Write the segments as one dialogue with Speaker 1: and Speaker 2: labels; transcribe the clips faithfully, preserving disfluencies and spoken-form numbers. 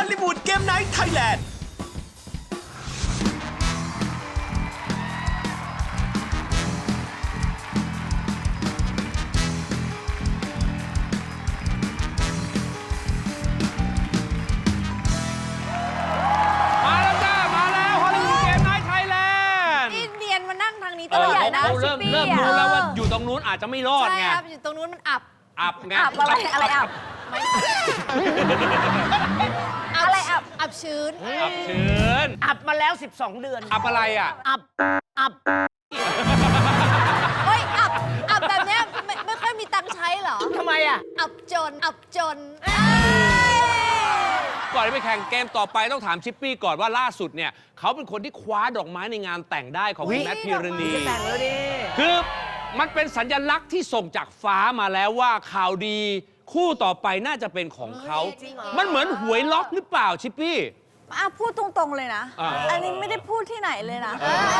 Speaker 1: ลลีวูดเกมไนท์ไทยแลนด์
Speaker 2: ตลอดนะ
Speaker 3: เขาเริ่มเริ่มรู้แล้วว่าอยู่ตรงนู้นอาจจะไม่รอดไง
Speaker 2: ใช่ครับอยู่ตรงนู้นมันอับ
Speaker 3: อับไง
Speaker 2: อับอะไรอะไรอับอะไรอับอับชื้น
Speaker 3: อับชื้น
Speaker 4: อับมาแล้วสิบสองเดือน
Speaker 3: อับอะไรอ่ะ
Speaker 4: อับ อับ
Speaker 2: เฮ้ยอับอับแบบเนี้ยไม่ไม่ค่อยมีตังค์ใช้เหรอ
Speaker 4: ทำไมอ่ะ
Speaker 2: อับจนอับจน
Speaker 3: ก่อนที่ไปแข่งเกมต่อไปต้องถามชิปปี้ก่อนว่าล่าสุดเนี่ยเขาเป็นคนที่คว้าดอกไม้ในงานแต่งได้ของคุณแมทพิรณี
Speaker 4: จะแต่งแล้วดิ
Speaker 3: คือมันเป็นสัญลักษณ์ที่ส่งจากฟ้ามาแล้วว่าข่าวดีคู่ต่อไปน่าจะเป็นของเขา มันเหมือนหวยล็อกหรือเปล่าชิปปี้
Speaker 5: อ่ะพูดตรงๆเลยนะ
Speaker 3: อ่า
Speaker 5: อันนี้ไม่ได้พูดที่ไหนเลยนะ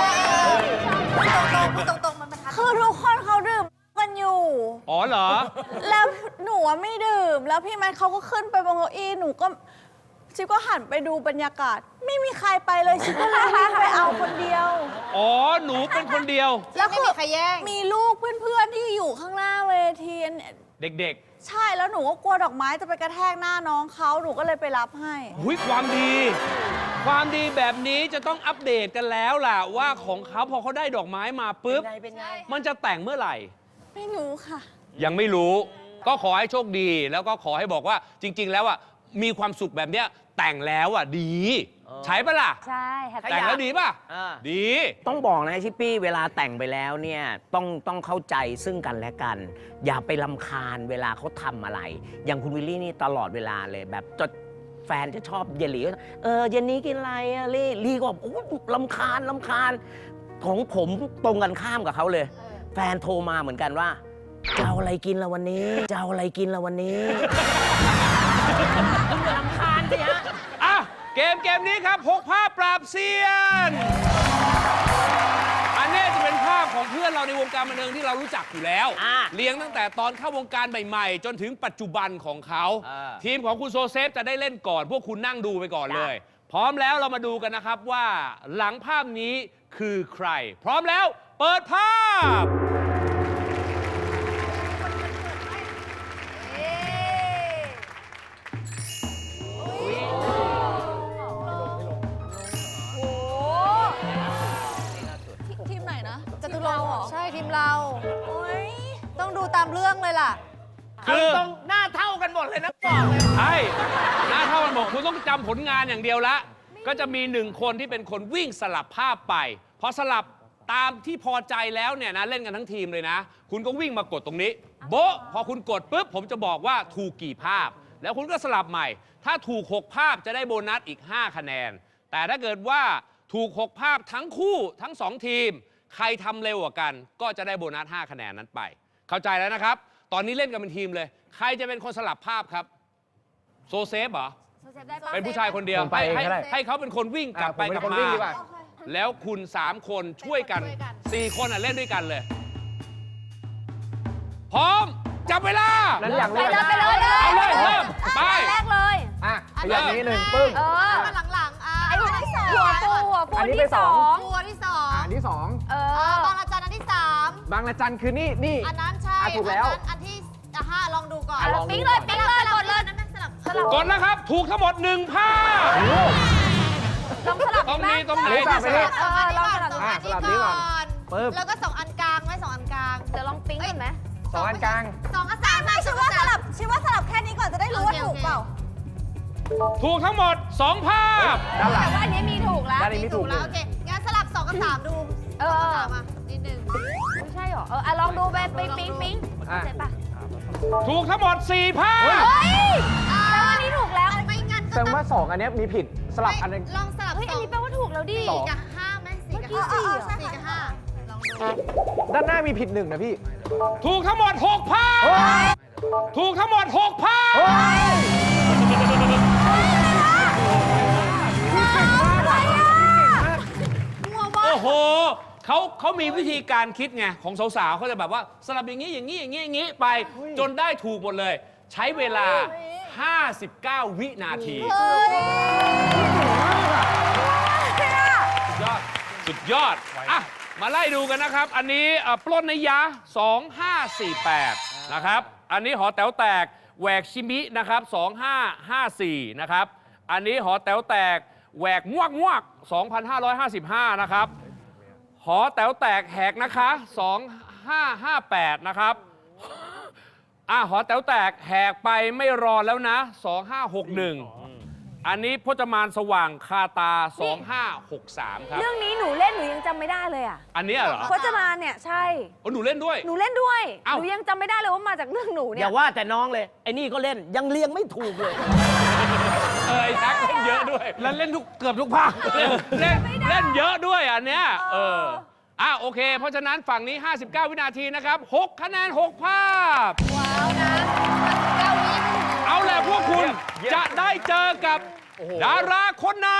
Speaker 2: พูดตรงๆพูดตรงๆมันประทัด
Speaker 5: คือทุกคนเขาดื่มกันอยู่
Speaker 3: อ๋อเหรอ
Speaker 5: แล้วหนูอะไม่ดื่ม แล้วพี่แมทเขาก็ขึ้นไปบนเก้าอี้หนูก็ชิปก็หันไปดูบรรยากาศ ไม่มีใครไปเลยชิปก็เลยวิ่งไปเอาคนเดียว
Speaker 3: อ๋อหนูเป็นคนเดียว
Speaker 2: แล้วไม่มีใครแย่ง
Speaker 5: มีลูกเพื่อนๆที่อยู่ข้างหน้าเวทีเนี่ย
Speaker 3: เด็ก
Speaker 5: ใช่แล้วหนูก็กลัวดอกไม้จะไปกระแทกหน้าน้องเขาหนูก็เลยไปรับให้
Speaker 3: ๆหุยความดี ความดีแบบนี้จะต้องอัปเดตกันแล้วล่ะว่าของเขาพอเขาได้ดอกไม้มาปุ๊บ
Speaker 4: เป็นไง เป็นไง
Speaker 3: มันจะแต่งเมื่อไหร่
Speaker 5: ไม่รู้ค่ะ
Speaker 3: ยังไม่รู้ ก็ขอให้โชคดี แล้วก็ขอให้บอกว่าจริง ๆ แล้วอ่ะมีความสุขแบบเนี้ยแต่งแล้วอ่ะดี
Speaker 4: เออ
Speaker 3: ใช้ปะล่ะ
Speaker 2: ใช่แฮป
Speaker 3: แต่งแล้วดีป่ะ
Speaker 4: อ่า
Speaker 3: ดี
Speaker 4: ต้องบอกนะชิปปี้เวลาแต่งไปแล้วเนี่ยต้องต้องเข้าใจซึ่งกันและกัน อย่าไปลำคาญเวลาเขาทำอะไร อย่างคุณวิลลี่นี่ตลอดเวลาเลยแบบจดแฟนจะชอบเยลลี่ก็เออเย็นนี้กินอะไรอะลี่ลี่ก็บอกโอ้ลำคาญลำคาญของผมตรงกันข้ามกับเขาเลย แฟนโทรมาเหมือนกันว่าจะเอาอะไรกินละวันนี้จะเอาอะไรกินละวันนี้คุณอย่าลำคาญสิฮะ
Speaker 3: อ่ะ เกมเกมนี้ครับหกภาพปราบเซียน อันนี้จะเป็นภาพของเพื่อนเราในวงการบันเทิงที่เรารู้จักอยู่แล้ว
Speaker 4: อ่า
Speaker 3: เลี้ยงตั้งแต่ตอนเข้าวงการใหม่ๆ จนถึงปัจจุบันของเขา
Speaker 4: อ่า
Speaker 3: ทีมของคุณโซเซฟจะได้เล่นก่อน พวกคุณนั่งดูไปก่อนเลย พร้อมแล้วเรามาดูกันนะครับว่าหลังภาพนี้คือใคร พร้อมแล้ว เปิดภาพ
Speaker 5: ทีมไหนนะ
Speaker 2: จตุรงค์เหรอใช่ทีมเรา
Speaker 5: โอ๊ย
Speaker 2: ต้องดูตามเรื่องเลยล่ะ
Speaker 3: คือ
Speaker 4: ตรงหน้าเท่ากันหมดเลยนะบอกเลย
Speaker 3: ใช่หน้าเท่ากันบอกคุณต้องจำผลงานอย่างเดียวละ ก็จะมีหนึ่งคนที่เป็นคนวิ่งสลับภาพไป พอสลับตามที่พอใจแล้วเนี่ยนะเล่นกันทั้งทีมเลยนะ คุณก็วิ่งมากดตรงนี้ โบ๊ะพอคุณกดปุ๊บผมจะบอกว่าถูกกี่ภาพ แล้วคุณก็สลับใหม่ ถ้าถูกหกภาพจะได้โบนัสอีกห้าคะแนน แต่ถ้าเกิดว่าถูกหกภาพทั้งคู่ทั้งสองทีม ใครทำเร็วกว่ากัน ก็จะได้โบนัสห้าคะแนนนั้นไป เข้าใจแล้วนะครับ ตอนนี้เล่นกันเป็นทีมเลย ใครจะเป็นคนสลับภาพครับโซเซฟเหรอ เป็นผู้ชายคนเดียว
Speaker 6: ผมไปเอง
Speaker 3: ให้
Speaker 6: ก็ได้
Speaker 3: ให้เขาเป็นคนวิ่งกลับไป
Speaker 6: อ่ะผม
Speaker 3: กลับ
Speaker 6: เป็นคน
Speaker 3: มา
Speaker 6: วิ่งดีกว่า
Speaker 3: แล้วคุณสามคนช่วยกันสี่คนอ่ะเล่นด้วยกันเลย พร้อม จับเวลา
Speaker 6: นั้นอย่าง
Speaker 2: ไป
Speaker 6: เรียก
Speaker 2: เลยไปเลย
Speaker 3: เอาเลยเริ่มไป
Speaker 2: แรกเลย
Speaker 6: อ่ะขยับนี้หนึ่งปึ้ง
Speaker 2: เออมาหลังๆอ่ะไอ้หัวที่สองหัวปูหัวปู
Speaker 6: อันนี้
Speaker 2: ที่
Speaker 6: ไปส
Speaker 2: ส
Speaker 6: อ
Speaker 2: อง งหัวที่สอง
Speaker 6: อ่ะอันที่สอง
Speaker 2: เออบางระจันอันที่สาม
Speaker 6: บางระจันคือนี่นี่
Speaker 2: อันนั้นใช่
Speaker 6: อ่ะถูกแล้ว
Speaker 2: อันนั้นอันที่อ่ะห้าลองดูก่อน
Speaker 6: อ่ะลองดู
Speaker 2: ปิ๊งเลยปิ๊งเลยกดเลยนั่นสลับสลับ
Speaker 3: กดนะครับ ถูกทั้งหมดหนึ่งภาพ
Speaker 2: ลองสลับ
Speaker 3: ตรงนี้ตรง
Speaker 6: อัน
Speaker 3: นี้
Speaker 6: นี้แบบไปดิ
Speaker 2: เออลองสลับ
Speaker 6: อ่ะ
Speaker 2: อัน
Speaker 6: สลับนี้
Speaker 2: นี้
Speaker 6: ก่
Speaker 2: ก่
Speaker 6: อ
Speaker 2: อน น
Speaker 6: ปึ๊บ
Speaker 2: แล้วก็สองอันกลางไหมสองอันกลางเดี๋ยวลองปิ๊งกันไหม
Speaker 6: สองอันกลาง
Speaker 2: สองกับสาม
Speaker 5: ไม่ชิว่าสลับชิว่าสลับแค่นี้ก่อนจะได้รู้ว่าถูกเปล่า
Speaker 3: ถูกทั้งหมดสองภาพ
Speaker 6: ด้านหลัง
Speaker 2: แต่ว่าอันนี้มีถูกแล้ว
Speaker 6: ด้านนี้มีถูกห
Speaker 2: แล้
Speaker 6: นึ่
Speaker 2: ว
Speaker 6: ง
Speaker 2: โอเคงั้นสลับสองกับสามดู
Speaker 7: เออ
Speaker 2: สองกับสามอ่ะนิดนึง
Speaker 7: ไม่ใช่หรอ เอออ่ะลองดูไปปิ๊งปิ๊งปิ๊ง
Speaker 6: อ่ะ
Speaker 7: เสร็จปะ
Speaker 3: ถูกทั้งหมดสี่ภาพ
Speaker 2: อ่า
Speaker 7: แล้วอันนี้ถูกแล้ว
Speaker 2: ไม่งั้น
Speaker 6: แส
Speaker 2: ก็
Speaker 6: ดง
Speaker 2: ต้อง
Speaker 6: ว่าสองอันเนี้ยมีผิดสลับอันหนึง
Speaker 2: ลองสลับ
Speaker 7: เฮ้ย
Speaker 2: ส
Speaker 7: อั
Speaker 2: อน ง
Speaker 7: นี้แปลว่าถูกแล้วดิ
Speaker 2: สี่กับห้าไหมสี่กับห้า
Speaker 5: เมื่อกี้สี่เหรอ
Speaker 2: สี่กับห้าลองดู
Speaker 6: ด้านหน้ามีผิดหนึ่งนะพี่
Speaker 3: ถูกทั้งหมดหกภาพ
Speaker 6: เฮ้ย
Speaker 3: ถูกทั้งหมดหกภาพ
Speaker 6: เฮ้ย
Speaker 3: โอ้โหเขาเขามีวิธีการคิดไงของสาวๆเขาจะแบบว่าสลับอย่างนี้อย่างนี้อย่างนี้อย่างนี้ไปจนได้ถูกหมดเลยใช้เวลา ห้าสิบเก้า วินาที สุดยอด สุดยอด อ่ะ มาไล่ดูกันนะครับ อันนี้เอ่อปล้นในยะ สองห้าสี่แปด นะครับ อันนี้หอแต๋วแตกแหวกชิมินะครับ สองห้าห้าสี่ นะครับ อันนี้หอแต๋วแตกแหวกมวกมวกสองพันห้าร้อยห้าสิบห้า นะครับ หอแต๋วแตกแหกนะคะ สองห้าห้าแปด นะครับ อ่ะหอแต๋วแตกแหกไปไม่รอแล้วนะ สองห้าหกหนึ่ง อันนี้พจมานสว่างคาตา สองห้าหกสาม ครับ
Speaker 7: เรื่องนี้หนูเล่นหนูยังจำไม่ได้เลยอ่ะ
Speaker 3: อันเนี้ยเหรอ
Speaker 7: พจมานเนี่ยใช่
Speaker 3: โอ้หนูเล่นด้วย
Speaker 7: หนูเล่นด้วย
Speaker 3: เอ้า
Speaker 7: หนูยังจำไม่ได้เลยว่ามาจากเรื่องหนู
Speaker 4: อ
Speaker 7: เนี่ย
Speaker 4: ย่าว่าแต่น้องเลย ไอ้นี่ก็เล่นยังเรียงไม่ถูกเลย
Speaker 3: เออไอ้แท็กเล่นเยอะด้วย
Speaker 6: แล้วเล่นทุกเกือบทุกภาค
Speaker 3: เล่นเล่นเล่นเยอะด้วยอันเนี้ย เออ อ่ะโอเค เพราะฉะนั้นฝั่งนี้ ห้าสิบเก้า วินาทีนะครับ หก คะแนน หก ภาพ
Speaker 2: ว้าวนะเก้าวิ
Speaker 3: เอาแหละพวกคุณจะได้เจอกับดาราคนไหน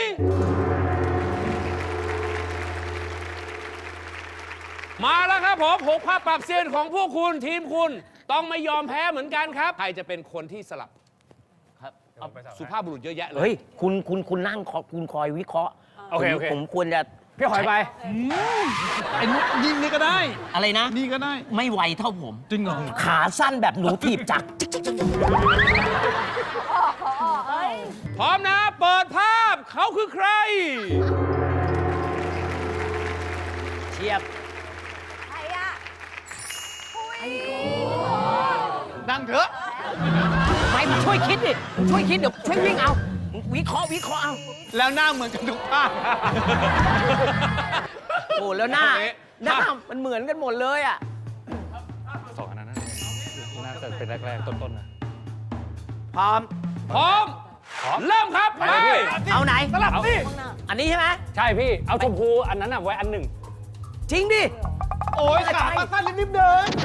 Speaker 3: มาแล้วครับผมหกภาพปรับเซียนของพวกคุณทีมคุณต้องไม่ยอมแพ้เหมือนกันครับ ใครจะเป็นคนที่สลับครับเอาสุภาพบุรุษเยอะแยะเล
Speaker 4: เฮ้
Speaker 3: ย
Speaker 4: ย คุณคุณคุณนั่งคอคุณคอยวิเคราะห์
Speaker 6: โอเค
Speaker 4: ผม
Speaker 6: โอเค
Speaker 4: ผมควรจะ
Speaker 6: พี่หอยไป
Speaker 8: ไอ้นุ๊กยิงนี่ก็ได้
Speaker 4: อะไรนะ
Speaker 8: นี่ก็ได้
Speaker 4: ไม่ไวเท่าผม
Speaker 8: จริงเหรอ
Speaker 4: ขาสั้นแบบหนูถีบจักร
Speaker 3: พร้อมนะ เปิดภาพเขาคือใคร
Speaker 4: เชียบ
Speaker 7: ใครอะ
Speaker 8: นั่งเถอะ
Speaker 4: ไปมาช่วยคิดดิ ช่วยคิดเดี๋ยวช่วยวิ่งเอาวิเคราะห์วิเคราะห์เอา
Speaker 8: แล้วหน้าเหมือนกันทุกภาค
Speaker 4: โอ้แล้วหน้า
Speaker 3: โอเค
Speaker 4: หน้ามันเหมือนกันหมดเลยอ่ะ
Speaker 6: สองอันนั้นน่าจะเป็นแรกๆ ต้นๆนะ
Speaker 4: พร้อม
Speaker 3: พร้อม เริ่มครับไป
Speaker 4: เอาไหน
Speaker 6: สลับสิ
Speaker 4: อันนี้ใช่ไหม
Speaker 6: ใช่พี่ เอาชมพูอันนั้นอ่ะไว้อันหนึ่ง
Speaker 4: จริงดิ
Speaker 6: โอ้ยขาปลาสั้นรีบๆเดิน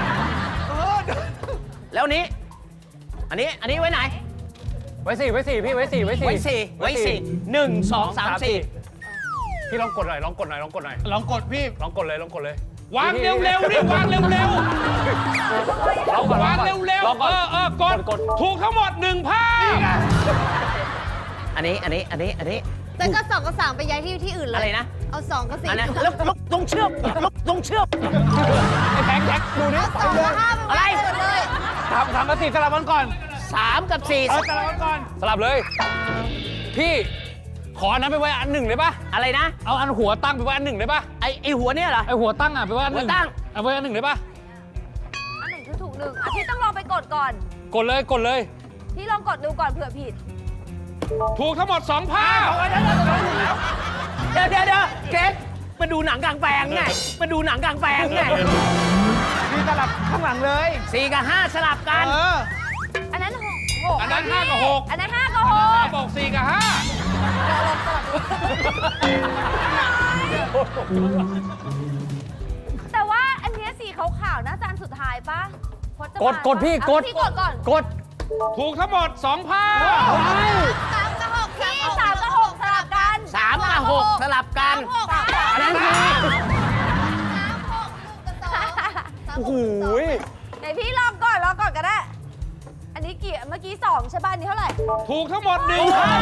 Speaker 4: แล้วอันนี้ อันนี้ อันนี้ไว้ไหน
Speaker 6: ไว้สี่ไว้สี่พี่ไว้สี่ไว้สี่
Speaker 4: ไว้สี่ไว้สี่หนึ่งสองสามสี่
Speaker 6: พี่ลองกดหน่อยลองกดหน่อยลองกดหน่อย
Speaker 8: ลองกดพี่
Speaker 6: ลองกดเลยลองกดเลย
Speaker 3: วางเร็วๆดิวางเร็ว
Speaker 6: ลองก่อน
Speaker 3: ๆวางเร็ว
Speaker 6: ลอง
Speaker 3: ๆ
Speaker 6: ก่
Speaker 3: เอ
Speaker 6: อน
Speaker 3: อเออกด
Speaker 6: กด
Speaker 3: ถูกทั้งหมดหนึ่งภาพ
Speaker 4: อันนี้ อันนี้ อันนี้ อันนี้
Speaker 2: แต่ก็สองกับสามไปย้ายที่ที่อื่นเลย
Speaker 4: อะไรนะ
Speaker 2: เอาสองกับสี่
Speaker 4: อันนั้นแล้วแล้วต้องเชื่อมแล้วต้องเชื่อม
Speaker 6: ไอ้แท็กแท็กดูนี่
Speaker 2: เอาสองกับห้าไป
Speaker 4: อะไร
Speaker 2: ไว้หมดเลย
Speaker 6: สามสามกับสี่สลับกันก่อน
Speaker 4: สามกับสี่
Speaker 6: เออสลับกันก่อน สลับเลย พี่ขออันนั้นไปไว้อันหนึ่งได้ปะ
Speaker 4: อะไรนะ
Speaker 6: เอาอันหัวตั้งไปไว้อันหนึ่งได้ปะ
Speaker 4: ไอไอหัวเนี่ยเหรอ
Speaker 6: ไอหัวตั้งอ่ะไปไว้อันหนึ่ง
Speaker 4: หัวตั้ง
Speaker 6: เอาไว้อันหนึ่งได้ปะ
Speaker 7: อันไหนคือถูกหนึ่งอ่ะพี่ต้องลองไปกดก่อน
Speaker 6: กดเลยกดเลย
Speaker 7: พี่ลองกดดูก่อนเผื่อผิด
Speaker 3: ถูกทั้งหมดสองภาพ
Speaker 4: เดี๋ยวเดี๋ยวเดี๋ยวเกรซมาดูหนังกลางแปลงไงมาดูหนังกลางแปลงไง
Speaker 6: พี่สลับข้างหลังเลย
Speaker 4: สี่กับห้าสลับกัน
Speaker 6: เออ
Speaker 7: อันนั้นหกหก
Speaker 3: อันนั้น
Speaker 7: พี่
Speaker 3: ห้ากับหก
Speaker 7: อันนั้นห้ากับหก
Speaker 3: บอกสี่กับห้า
Speaker 7: แต่ว่าอันเนี้ยสีขาวๆน่าจะอันสุดท้ายปะพจมาน
Speaker 6: กดกดพี่
Speaker 7: ปะ
Speaker 6: กด
Speaker 7: เอาพี่กดก่อน
Speaker 6: กด
Speaker 3: ถูกทั้งหมดสองภาพ
Speaker 2: สามกับหก
Speaker 7: พี่สามกับหกสลับกัน
Speaker 4: สามกับหกสลับกัน
Speaker 2: หก
Speaker 4: อันนั้นคือ
Speaker 2: สามหกหนึ่งกับสองสามหก
Speaker 6: โอ้โห
Speaker 7: ไหนพี่ลองก่อนลองก่อนก็ได้ อันนี้กี่เมื่อกี้สองใช่ป่ะอันนี้เท่าไหร่
Speaker 3: ถูกทั้งหมดหนึ่งภาพ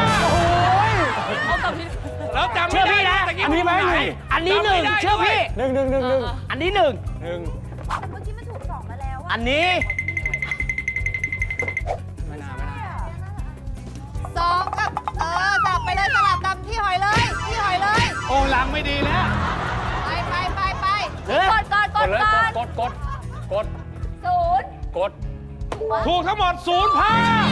Speaker 3: แล้วจำไม่
Speaker 4: เชื่อ
Speaker 3: ได้
Speaker 4: พี่นะ
Speaker 3: ตะกี้
Speaker 6: อันนี้ไหม
Speaker 3: ตรงน
Speaker 4: อันนี้หนึ่ง
Speaker 3: จำไม่ได้
Speaker 4: เชื่อพี่
Speaker 6: หนึ่งหนึ่งหนึ่งหนึ่ง
Speaker 4: อันนี้หนึ่ง
Speaker 6: หนึ่ง
Speaker 7: แต่เมื่อกี้มันถูกสองมาแล้วอะ
Speaker 4: อันนี้
Speaker 6: ไม่น่าไม่น่า
Speaker 2: สองกับ เออสลับไปเลยสลับตามพี่หอยเลย พี่หอยเลย
Speaker 6: โอ้หลังไม่ดีแล้ว
Speaker 2: ไปไปไปไป
Speaker 4: เฮ้ย
Speaker 7: กดก่อนก
Speaker 6: ก
Speaker 7: ด
Speaker 6: ดเลย
Speaker 7: ก่อน
Speaker 6: กดกดกด
Speaker 7: ศูนย์
Speaker 6: กด
Speaker 3: ถูกทั้งหมดศูนย์ภาพ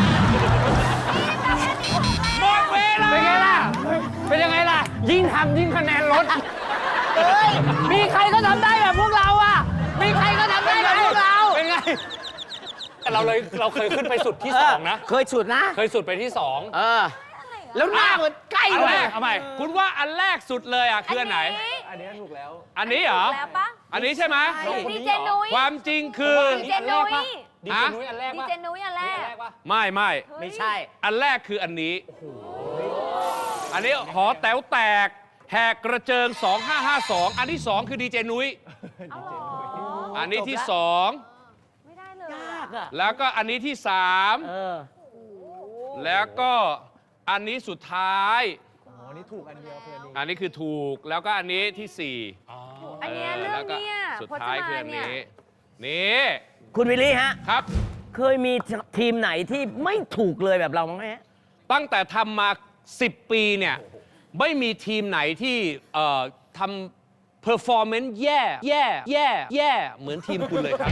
Speaker 3: หมดเวลา
Speaker 6: เป็นไงล่ะ เป็นยังไงล่ะ ยิ่งทำยิ่งคะแนนลด
Speaker 4: มีใครก็ทำได้แบบพวกเราอ่ะ มีใครก็ทำได้แบบพวกเรา
Speaker 6: เป็นไง แต่เราเลยเราเคยขึ้นไปสุดที่สองนะ
Speaker 4: เคยสุดนะ
Speaker 6: เคยสุดไปที่สอง
Speaker 4: เออ แล้วหน้ามันใกล้
Speaker 3: อัน
Speaker 4: เล
Speaker 3: แร
Speaker 4: ย
Speaker 3: กเอาใหม่คุณว่าอันแรกสุดเลยอ่ะคืออันไหน
Speaker 6: อันนี้ถูกแล้ว
Speaker 3: อันนี้เหรอ
Speaker 7: ถูกแล้วปะ
Speaker 3: อันนี้ใช่ไหม
Speaker 7: ดีเจนุ้ย
Speaker 3: ความจริงคือ
Speaker 7: ดีเจนุ้ย
Speaker 6: ดีเจนุ้ยอันแรก
Speaker 7: ดี
Speaker 6: ปะ
Speaker 7: เจนุ้ยอันแรก
Speaker 6: แรกปะ
Speaker 3: ไม่ไม่
Speaker 4: ไม่ใช่
Speaker 3: อันแรกคืออันนี้ อันนี้หอแต๋วแตก แหกกระเจิง สองห้าห้าสอง อันที่สองคือดีเจนุ้ย
Speaker 7: เอาเหรอ
Speaker 3: อันนี้ที่สอง
Speaker 7: ไม่ได้เลย
Speaker 4: ยากอะ
Speaker 3: แล้วก็อันนี้ที่สาม
Speaker 4: เออ
Speaker 3: แล้วก็อันนี้สุดท้าย
Speaker 8: อ๋อ นี่ถูกอันเดียวเพื่อนดี
Speaker 3: อันนี้คือถูก แล้วก็อันนี้ที่สี่
Speaker 7: อันเนี้ยเรื่องเนี่ย
Speaker 3: สุด
Speaker 7: พจ
Speaker 3: ท้าย
Speaker 7: มาน
Speaker 3: คืออัน
Speaker 7: เนี่ย
Speaker 3: นี้ นี่
Speaker 4: คุณวิลลี่ฮะ
Speaker 3: ครับ
Speaker 4: เคยมีทีมไหนที่ไม่ถูกเลยแบบเราบ้างไหมฮะ
Speaker 3: ตั้งแต่ทำมาสิบปีเนี่ย ไม่มีทีมไหนที่เอ่อทำ performance แย่ แย่ แย่ แย่ เหมือนทีมคุณเลยครับ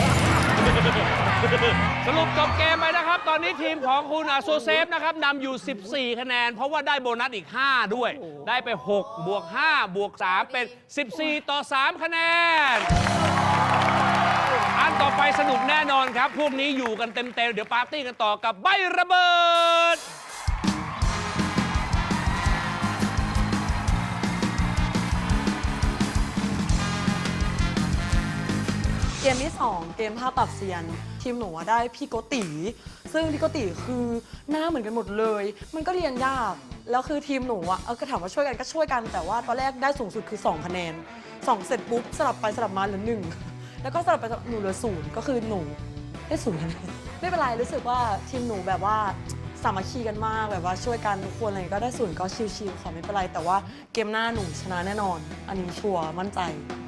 Speaker 3: สรุปจบเกมไปนะครับ ตอนนี้ทีมของคุณอาโซเซฟนะครับนำอยู่ สิบสี่ คะแนน เพราะว่าได้โบนัสอีก ห้า ด้วย ได้ไป หก บวก ห้า บวก สาม เป็น สิบสี่ ต่อ สาม คะแนน อันต่อไปสนุกแน่นอนครับ พวกนี้อยู่กันเต็มๆ เดี๋ยวปาร์ตี้กันต่อกับใบระเบิด
Speaker 9: เกมที่สองเกมภาพปรับเซียน ทีมหนูอะได้พี่โกติ ซึ่งพี่โกติคือหน้าเหมือนกันหมดเลย มันก็เรียนยาก แล้วคือทีมหนูอะเออก็ถามว่าช่วยกันก็ช่วยกัน แต่ว่าตอนแรกได้สูงสุดคือสองคะแนนสองเสร็จปุ๊บสลับไปสลับมาเหลือหนึ่งแล้วก็สลับไปสลับหนูเหลือศูนย์ก็คือหนูได้ศูนย์คะแนนไม่เป็นไรรู้สึกว่าทีมหนูแบบว่าสามัคคีกันมากแบบว่าช่วยกันทุกคนอะไรก็ได้ศูนย์ก็ชิวๆขอไม่เป็นไรแต่ว่าเกมหน้าหนูชนะแน่นอน อันนี้ชัวร์มั่นใจ